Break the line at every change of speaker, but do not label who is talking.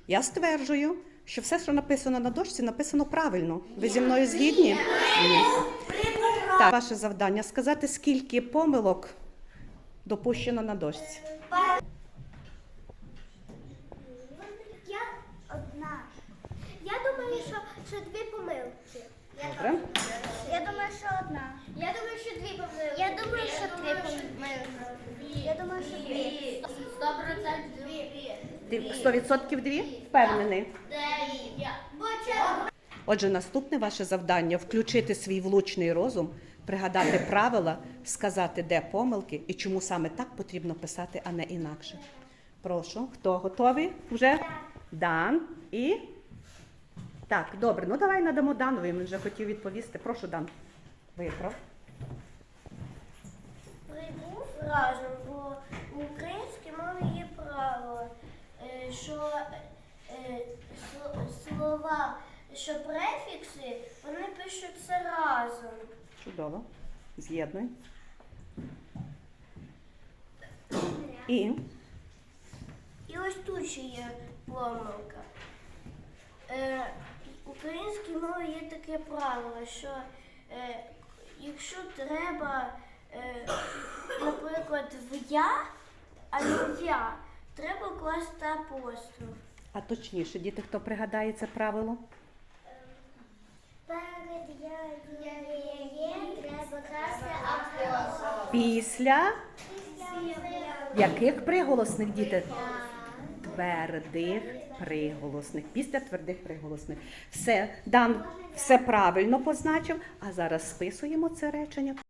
Я стверджую, що все, що написано на дошці, написано правильно. Ви зі мною згідні? Ні. Так, ваше завдання сказати, скільки помилок допущено на дошці.
Я одна. Я думаю, що дві помилки.
Добре.
Я думаю, що одна. Я думаю, що дві помилки. Я думаю, що три помилки. Я думаю, що дві. 100% дві.
Ти 100% дві? Впевнений. Отже, наступне ваше завдання – включити свій влучний розум, пригадати правила, сказати, де помилки і чому саме так потрібно писати, а не інакше. Прошу, хто готовий вже? Дан і... Так, добре, ну давай надамо Данові, він вже хотів відповісти. Прошу, Дан, виправ.
Прибув разом, бо в українській мові є правило, що слова, що префікси, вони пишуться разом.
Чудово. З'єднуй. І?
І ось тут ще є помилка. В українській мові є таке правило, що якщо треба, наприклад, в я, а не в я, треба класти апостроф.
А точніше, діти, хто пригадає це правило?
Перед я треба класти апостроф.
Після яких приголосних, діти? Твердих приголосних. Після твердих приголосних. Все, Дан все правильно позначив, а зараз списуємо це речення.